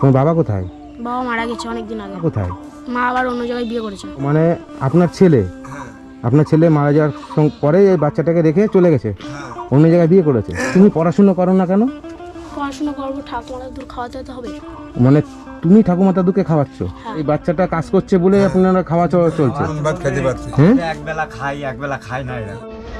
তোমার বাবা কোথায়? বাবা মারা গেছে অনেক দিন আগে। কোথায়? মা আবার অন্য জায়গায় বিয়ে করেছে। মানে আপনার ছেলে মারা যাওয়ার পরে এই বাচ্চাটাকে রেখে চলে গেছে, অন্য জায়গায় বিয়ে করেছে। তুমি পড়াশোনা করো না কেন? পড়াশোনা করবো, ঠাকুমার দূর খাওয়াতে তো হবে। মানে তুমি ঠাকুমা দাদুকে খাওয়াচ্ছ? হ্যাঁ। এই বাচ্চাটা কাজ করছে বলে আপনারা খাওয়া চলছে? ভাত খেতে পারছি, হ্যাঁ, একবেলা খাই একবেলা খাই না এরা।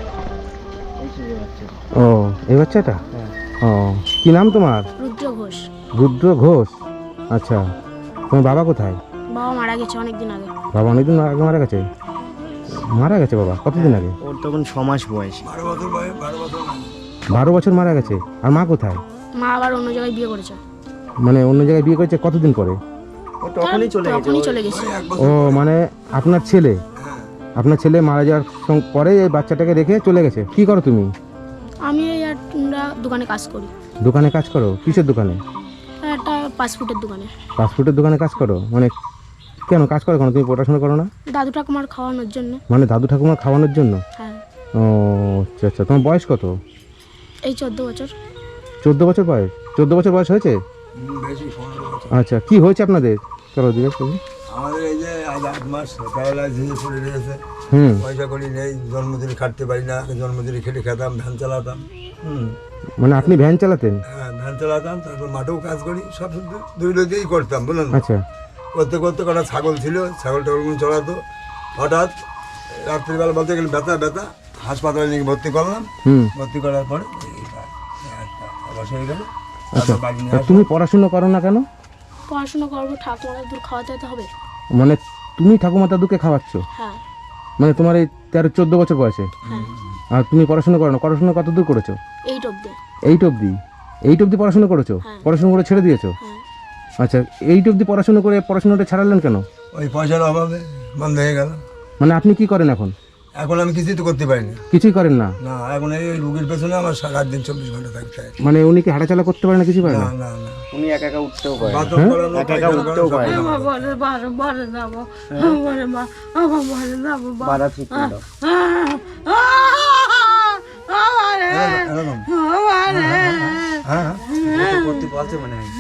ও এই বাচ্চাটা? ও কি নাম তোমার? রুদ্র ঘোষ। রুদ্র ঘোষ। আচ্ছা, তোমার বাবা কোথায়? বাবা মারা গেছে অনেক দিন আগে। বাবা অনেকদিন আগে মারা গেছে? মারা গেছে বাবা কতদিন আগে? ওর তখন 6 মাস বয়স। 12 বছর বয়স, 12 বছর। 12 বছর মারা গেছে। আর মা কোথায়? মা আবার অন্য জায়গায় বিয়ে করেছে। মানে অন্য জায়গায় বিয়ে করেছে কতদিন পরে? ও তখনই চলে গেছে। তখনই চলে গেছে। ও মানে আপনার ছেলে মারা যাওয়ার পরে এই বাচ্চাটাকে রেখে চলে গেছে। কি করো তুমি? আমি আমরা দোকানে কাজ করি। দোকানে কাজ করো? কিসের দোকানে? একটা ফাস্টফুডের দোকানে। ফাস্টফুডের দোকানে কাজ করো? মানে কেন কাজ করো কেন? তুমি পড়াশোনা করো না? দাদু ঠাকুমার খাওয়ানোর জন্য। মানে দাদু ঠাকুমার খাওয়ানোর জন্য? হ্যাঁ। ও আচ্ছা আচ্ছা। তোমার বয়স কত? এই 14 বছর। 14 বছর বয়স? 14 বছর বয়স হয়েছে? বেশি 15 বছর। আচ্ছা, কি হয়েছে আপনাদের? চলো জিজ্ঞেস করি। আমাদের এই যে আজ 8 মাস প্যারালাইসিসে পড়ে রয়েছে। পয়সা করি নেই, জন্মদিনে খাটতে পারি না। জন্মদিনে খেটে খেতাম, ভ্যান চালাতাম। মানে আপনি ভ্যান চালাতেন? হ্যাঁ, ভ্যান চালাতাম, তারপর মাঠেও কাজ করি, সব দুই দিয়েই করতাম বুঝলেন। আচ্ছা। করতে করতে কটা ছাগল ছিল, ছাগল টাগলগুলো চড়াতো। হঠাৎ রাত্রিবেলা বলতে গেলে ব্যথা, হাসপাতালে নিয়ে ভর্তি করলাম। ভর্তি করার পরে অবশ্য হয়ে গেল। আচ্ছা, বাড়ি নিয়ে তা আসলাম। তুমি পড়াশোনা করো না কেন? পড়াশোনা করবো, ঠাকুমার দূর খাওয়াতে তো হবে। মানে তুমি ঠাকুমা দাদুকে খাওয়াচ্ছ? হ্যাঁ। মানে তোমার এই 13-14 বছর বয়সে? হ্যাঁ। আর তুমি পড়াশোনা করো না? পড়াশোনা কত দূর করেছো? 8 অবধি। 8 অবধি? 8 অবধি পড়াশোনা করেছো? হ্যাঁ। পড়াশোনা করে ছেড়ে দিয়েছো? হ্যাঁ। আচ্ছা, 8 অবধি পড়াশোনা করে পড়াশোনাটা ছাড়ালেন কেন? ওই পয়সার অভাবে বন্ধ হয়ে গেল। মানে আপনি কি করেন এখন? এখন আমি কিছুই তো করতে পারি না। কিছুই করেন না? না, এখন এই রুগীর পেছনে আমার রাত দিন 24 ঘন্টা থাকতে হয়। মানে উনি কি হাঁটাচলা করতে পারে না? কিছু পারে না না? না না, উনি একা একা উঠতেও পারে না। বাথরুম করানো, একা একা পায়খানা উঠতেও করানো, পারে না। বাধা ঠিক করে দাও। এরকম। হ্যাঁ, ও তো করতে পারছে মনে হয়।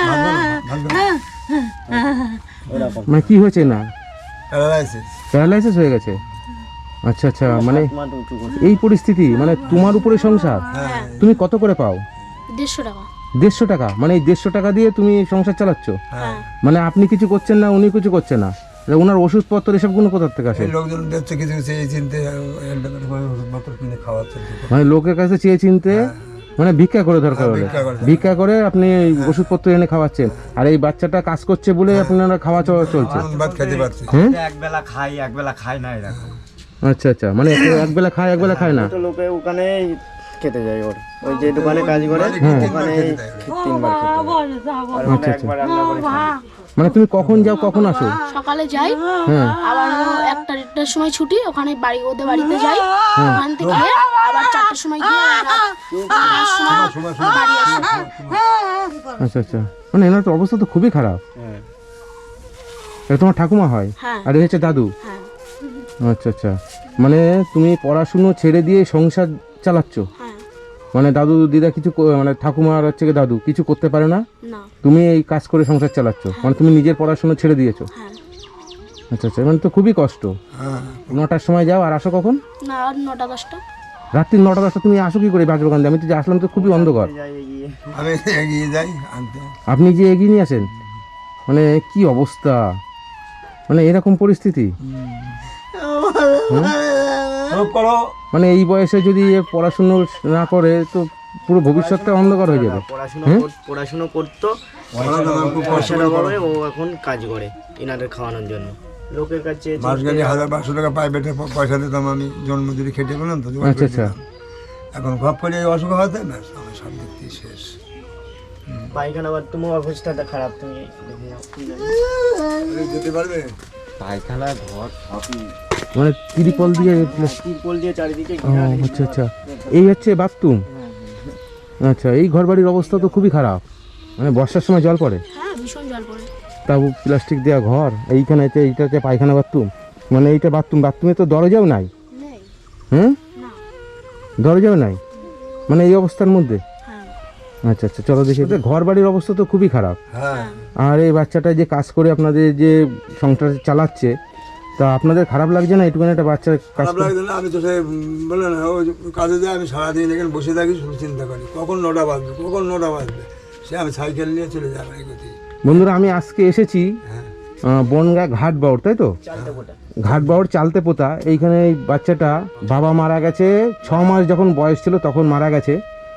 ওরকম। মানে কি হয়েছে না? প্যারালাইসিস। প্যারালাইসিস হয়ে গেছে? আচ্ছা আচ্ছা। মানে মাথা উঁচু করে। এই পরিস্থিতি, মানে তোমার উপরে সংসার? হ্যাঁ, তুমি কত করে পাও? 150 টাকা। 150 টাকা? মানে এই 150 টাকা দিয়ে তুমি সংসার চালাচ্ছ? হ্যাঁ। মানে আপনি কিছু করছেন না, উনি কিছু করছে না? ওনার ওষুধপত্র এসবগুলো কোথা থেকে আসে? এই লোকজন দেখছে কিছু কিছু এই চিনতে ওষুধপত্র কিনে খাওয়াচ্ছে। মানে লোকের কাছে চেয়ে চিনতে, মানে ভিক্ষা করে দরকার হলে ভিক্ষা করে আপনি এই ওষুধপত্র এনে খাওয়াচ্ছেন। আর এই বাচ্চাটা কাজ করছে বলে আপনারা খাওয়া চলছে? ভাত খেতে পারছি। হ্যাঁ, একবেলা খাই একবেলা খাই না এরকম। আচ্ছা আচ্ছা। মানে একবেলা খায় না? তো লোকে ওখানে খেতে যায় ওর। ওই যে দোকানে কাজ করে ওখানে 3বার খেতে হয়। আর ওখানে আচ্ছা, আচ্ছা। একবার রান্না করে খায়। মানে তুমি কখন যাও কখন আসো? সকালে যাই, হ্যাঁ। আবার 1টার সময় ছুটি, ওখানে ওদের বাড়িতে যাই। ওখান থেকে আবার 4টার সময় গিয়ে রাত 9টার সময় বাড়ি আসি। আচ্ছা আচ্ছা। মানে এনার তো অবস্থা তো খুবই খারাপ। হ্যাঁ। এটা তোমার ঠাকুমা হয়? হ্যাঁ। আর এ হচ্ছে দাদু? হ্যাঁ। আচ্ছা আচ্ছা। মানে তুমি পড়াশুনো ছেড়ে দিয়ে সংসার চালাচ্ছ? হ্যাঁ। মানে দাদু দিদা কিছু মানে ঠাকুমা আর হচ্ছে গিয়ে দাদু কিছু করতে পারে না? না। তুমি এই কাজ করে সংসার চালাচ্ছ? মানে তুমি নিজের পড়াশোনা ছেড়ে দিয়েছো? হ্যাঁ। আচ্ছা আচ্ছা। মানে তো খুবই কষ্ট। হ্যাঁ, 9টার সময় যাও আর আসো কখন? না, আর 9টা 10টা। রাত্রি 9টা-10টা তুমি আসো কি করে বাজবাগান দিয়ে? আমি তো যে আসলাম তো খুবই অন্ধকার। যাই এগিয়ে। আমি এগিয়ে যাই আনতে। আপনি যে এগিয়ে নিয়ে আসেন, মানে কি অবস্থা, মানে এরকম পরিস্থিতি। সব করো। মানে এই বয়সে যদি এ পড়াশুনো না করে তো পুরো ভবিষ্যৎটা অন্ধকার হয়ে যাবে। পড়াশুনো করতো, পড়াশোনা আমার খুব কষ্ট পয়সার করে অভাবে ও এখন কাজ করে এনাদের খাওয়ানোর জন্য। লোকের কাছে মাস গেলে 1000-1200 টাকা প্রাইভেটে পয়সা দিতাম আমি, জন্মদিনে খেটে পেলাম তো। আচ্ছা আচ্ছা। এখন ঘপ করে এই অসুখ হতে ব্যাস আমার সব দিক দিয়ে শেষ। পায়খানা বাথরুমের অবস্থাটা খারাপ, তুমি দেখে যাও। যেতে পারবে? পায়খানা ঘর সবই মানে ত্রিপল দিয়ে? তিরপল দিয়ে চারিদিকে ও আচ্ছা আচ্ছা। এই হচ্ছে বাথরুম? আচ্ছা। এই ঘর বাড়ির অবস্থা তো খুবই খারাপ। মানে বর্ষার সময় জল পড়ে? হ্যাঁ, ভীষণ জল পড়ে। তাও প্লাস্টিক দেওয়া ঘর, এইখানে এইটাতে পায়খানা বাথরুম, মানে এইটা বাথরুমে তো দরজাও নাই? নেই। হ্যাঁ, না। দরজাও নাই, মানে এই অবস্থার মধ্যে? হ্যাঁ। আচ্ছা আচ্ছা, চলো দেখি। ঘর বাড়ির অবস্থা তো খুবই খারাপ, হ্যাঁ আর এই বাচ্চাটা যে কাজ করে আপনাদের যে সংসার চালাচ্ছে, তা আপনাদের খারাপ লাগছে না এইটুকুন একটা বাচ্চা কাজ খারাপ লাগছে না? আমি তো সে বললেন ও কাজে যাই, আমি সারাদিন এখানে বসে থাকি, শুধু চিন্তা করি কখন 9টা বাজবে। সে আমি সাইকেল নিয়ে চলে যাই বাড়ি করতে। বন্ধুরা আমি আজকে এসেছি বনগা ঘাটবাউড়, তাই তো? ঘাটবাউড় চালতে পোতা। এইখানে এই বাচ্চাটা বাবা মারা গেছে, 6 মাস যখন বয়স ছিল তখন মারা গেছে।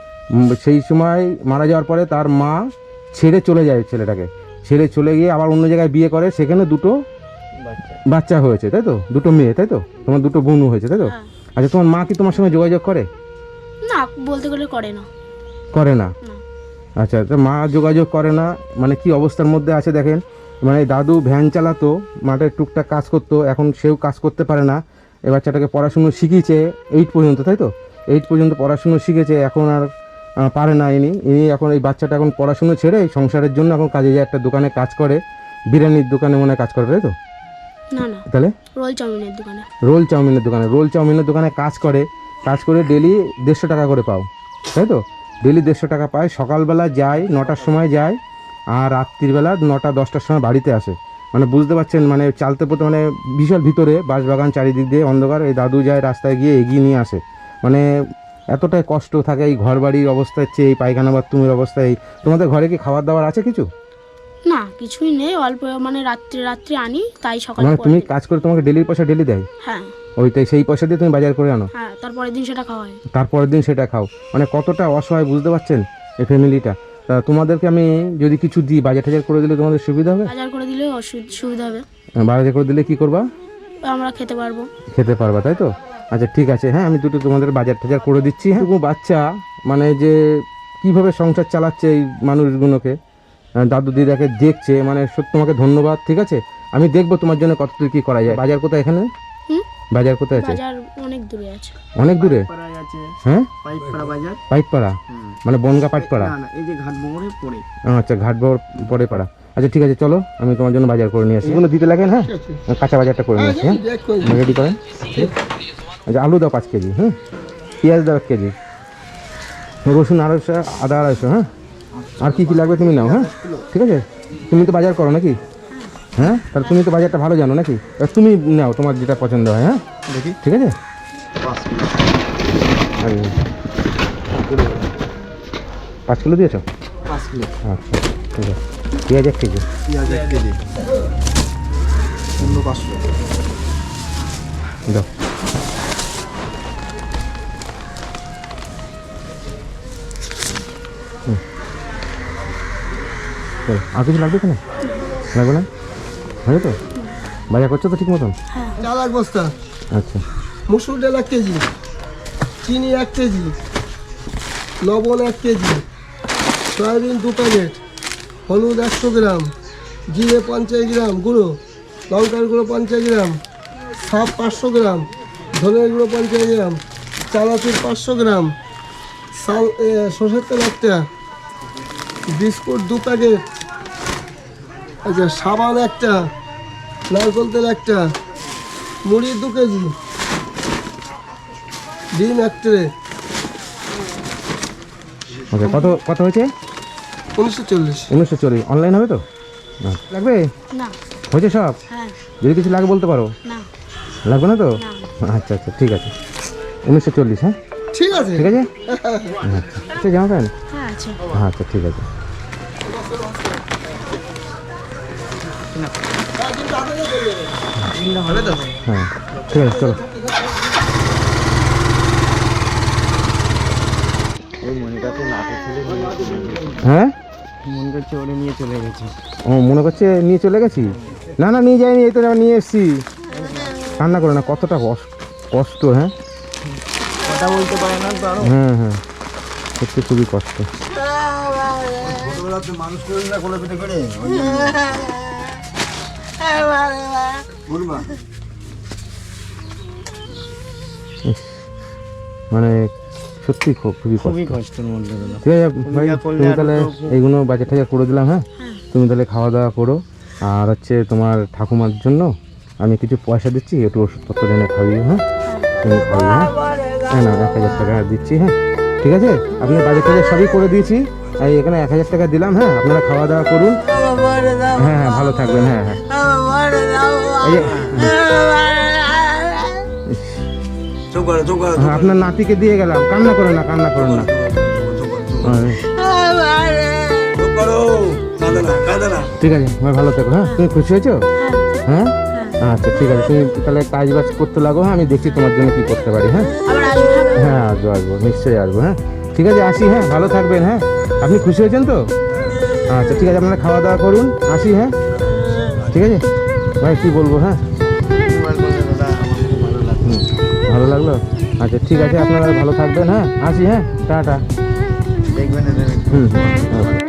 সেই সময় মারা যাওয়ার পরে তার মা ছেড়ে চলে যায়, ছেলেটাকে ছেড়ে চলে গিয়ে আবার অন্য জায়গায় বিয়ে করে, সেখানে 2টো বাচ্চা হয়েছে, তাই তো? 2টো মেয়ে, তাই তো? তোমার 2টো বোন হয়েছে, তাই তো? আচ্ছা, তোমার মা কি তোমার সঙ্গে যোগাযোগ করে? না, বলতে গেলে করে না। করে না? না। আচ্ছা, তো মা যোগাযোগ করে না মানে কি অবস্থার মধ্যে আছে দেখেন। মানে দাদু ভ্যান চালাতো, মাঠে টুকটাক কাজ করতো, এখন সেও কাজ করতে পারে না। এই বাচ্চাটাকে পড়াশুনো শিখিয়েছে 8 পর্যন্ত, তাই তো? 8 পর্যন্ত পড়াশুনো শিখেছে, এখন আর পারে না। ইনি এখন এই বাচ্চাটা এখন পড়াশুনো ছেড়ে এই সংসারের জন্য এখন কাজে যায়, একটা দোকানে কাজ করে, বিরিয়ানির দোকানে মনে হয় কাজ করে, তাই তো? না না, তাহলে রোল চাউমিনের দোকানে। রোল চাউমিনের দোকানে কাজ করে ডেলি 150 টাকা করে পাও, তাই তো? ডেলি 150 টাকা পায়। সকালবেলা যায় 9টার সময় যায়, আর রাত্রিবেলা 9টা 10টার সময় বাড়িতে আসে। মানে বুঝতে পারছেন, মানে চালতে পথে, মানে বিশাল ভিতরে বাঁশবাগান, চারিদিক দিয়ে অন্ধকার। এই দাদু যায় রাস্তায় গিয়ে এগিয়ে নিয়ে আসে। মানে এতটাই কষ্ট থাকে এই ঘর বাড়ির অবস্থার চেয়ে, এই পায়খানা বাথরুমের অবস্থায়। তোমাদের ঘরে কি খাবার দাবার আছে কিছু? না, কিছুই নেই, অল্প মানে রাত্রে আনি, তাই সকালে মানে তুমি কাজ করে তোমাকে ডেলির পয়সা ডেলি দেয়? হ্যাঁ ওইটাই, সেই পয়সা দিয়ে তুমি বাজার করে আনো, হ্যাঁ, তারপরের দিন সেটা খাওয়া হয়। তারপরের দিন সেটা খাও। মানে কতটা অসহায় বুঝতে পারছেন এই ফ্যামিলিটা। তা তোমাদেরকে আমি যদি কিছু দিই, বাজার টাজার করে দিলে তোমাদের সুবিধা হবে? বাজার করে দিলে সুবিধা হবে। বাজার করে দিলে কি করবা? আমরা খেতে পারবো। খেতে পারবা, তাই তো? আচ্ছা ঠিক আছে, হ্যাঁ আমি দুটো তোমাদের বাজার টাজার করে দিচ্ছি। হ্যাঁ, বাচ্চা মানে যে কিভাবে সংসার চালাচ্ছে এই মানুষগুলোকে, দাদু দিদাকে দেখছে, মানে সত্যি তোমাকে ধন্যবাদ। ঠিক আছে, আমি দেখবো তোমার জন্য কতদূর কি করা যায়। বাজার কোথায় এখানে? বাজার কোথায় আছে? বাজার অনেক দূরে আছে। অনেক দূরে? পাড়ায় আছে হ্যাঁ, পাইকপাড়া বাজার। পাইকপাড়া মানে বনগা পাইকপাড়া? না না, এই যে ঘাট মোড়ে পড়ে। আচ্ছা, ঘাটবাউড় পরে পাড়া। আচ্ছা ঠিক আছে, চলো আমি তোমার জন্য বাজার করে নিয়ে আসি। এগুলো দিতে লাগেন, হ্যাঁ কাঁচা বাজারটা করে নিয়ে আসি। হ্যাঁ রেডি করেন। আচ্ছা, আলু দাও 5 কেজি, হ্যাঁ পেঁয়াজ দাও 1 কেজি, রসুন 250, আদা 250, হ্যাঁ আর কি কি লাগবে তুমি নাও। হ্যাঁ ঠিক আছে, তুমি তো বাজার করো নাকি? হ্যাঁ, তাহলে তুমি তো বাজারটা ভালো জানো নাকি? তুমি নাও তোমার যেটা পছন্দ হয়। হ্যাঁ দেখি, ঠিক আছে। 5 কিলো দিয়েছো? 5 কিলো। আচ্ছা ঠিক আছে, পেঁয়াজ 1 কেজি, পেঁয়াজ 1 কেজি, অন্য 500 দাও। আর কিছু লাগবে কেন? লাগবে না? হয়ে তো বাজার করছো তো ঠিক মতন? চাল 1 বস্তা, আচ্ছা, মুসুর ডাল 1 কেজি, চিনি 1 কেজি, লবণ 1 কেজি, সয়াবিন 2 প্যাকেট, হলুদ 100 গ্রাম, জিরে 50 গ্রাম গুঁড়ো, লঙ্কার গুঁড়ো 50 গ্রাম, সাপ 500 গ্রাম, ধনের গুঁড়ো 50 গ্রাম, চানাচুর 500 গ্রাম, সরষের তেল 1টা, বিস্কুট 2 প্যাকেট, আচ্ছা সাবান 1টা, নারকেল তেল 1টা, মুড়ি 2 কেজি, ডিম 1 ট্রে। ওকে, কত হয়েছে? 1940। 1940। অনলাইন হবে তো? লাগবে? না। হয়েছে সব? হ্যাঁ। যদি কিছু লাগে বলতে পারো। না। লাগবে না তো? না। আচ্ছা আচ্ছা ঠিক আছে, 1940। হ্যাঁ ঠিক আছে। ঠিক আছে। আচ্ছা, জামা প্যান্ট? হ্যাঁ আছে। আচ্ছা ঠিক আছে। হ্যাঁ ঠিক আছে, চলো। ওই মনিটাতে লাঠি ছেলে হ্যাঁ, মনে করছে ওরে নিয়ে চলে গেছে। ও মনে করছে নিয়ে চলে গেছি। না না, নিয়ে যাইনি, এই তো নিয়ে এসছি। কান্না করে না, কতটা কষ্ট। হ্যাঁ কথা বলতে পারে না তো আরো। হ্যাঁ হ্যাঁ, সত্যি খুবই কষ্ট। ছোটবেলাতে মানুষ করেন না কোলে পিঠে করে বলবা। মানে সত্যি খুবই কষ্ট। খুবই কষ্টের মধ্যে গেল। ঠিক আছে ভাই, তুমি তাহলে এইগুলো বাজার টাজার করে দিলাম। হ্যাঁ তুমি তাহলে খাওয়া দাওয়া করো। আর হচ্ছে তোমার ঠাকুমার জন্য আমি কিছু পয়সা দিচ্ছি, একটু ওষুধপত্র এনে খাইয়ে। হ্যাঁ তুমি খাইয়ে। হ্যাঁ না, 1000 টাকা দিচ্ছি। হ্যাঁ ঠিক আছে, আপনি বাজার টাজার সবই করে দিয়েছি। এই এখানে 1000 টাকা দিলাম, হ্যাঁ আপনারা খাওয়া দাওয়া করুন। হ্যাঁ হ্যাঁ ভালো থাকবেন। হ্যাঁ হ্যাঁ এই যে, চুপ করো চুপ করো হ্যাঁ, আপনার নাতিকে দিয়ে গেলাম, কান্না করেন না, কান্না করেন না। চুপ করো, কাঁদে না কাঁদে না। ঠিক আছে, ভাই ভালো থেকো। হ্যাঁ তুমি খুশি হয়েছো? হ্যাঁ আচ্ছা ঠিক আছে, তুমি তাহলে কাজ বাজ করতে লাগো। হ্যাঁ আমি দেখছি তোমার জন্য কি করতে পারি। হ্যাঁ আবার আসবো। হ্যাঁ আসবো আসবো, নিশ্চয়ই আসবো। হ্যাঁ ঠিক আছে, আসি। হ্যাঁ ভালো থাকবেন। হ্যাঁ আপনি খুশি হয়েছেন তো? আচ্ছা ঠিক আছে, আপনারা খাওয়া দাওয়া করুন, আসি। হ্যাঁ ঠিক আছে ভাই, কি বলবো। হ্যাঁ ভালো লাগলো। আচ্ছা ঠিক আছে, আপনারা ভালো থাকবেন। হ্যাঁ আসি। হ্যাঁ টাটা। দেখবেন হুম।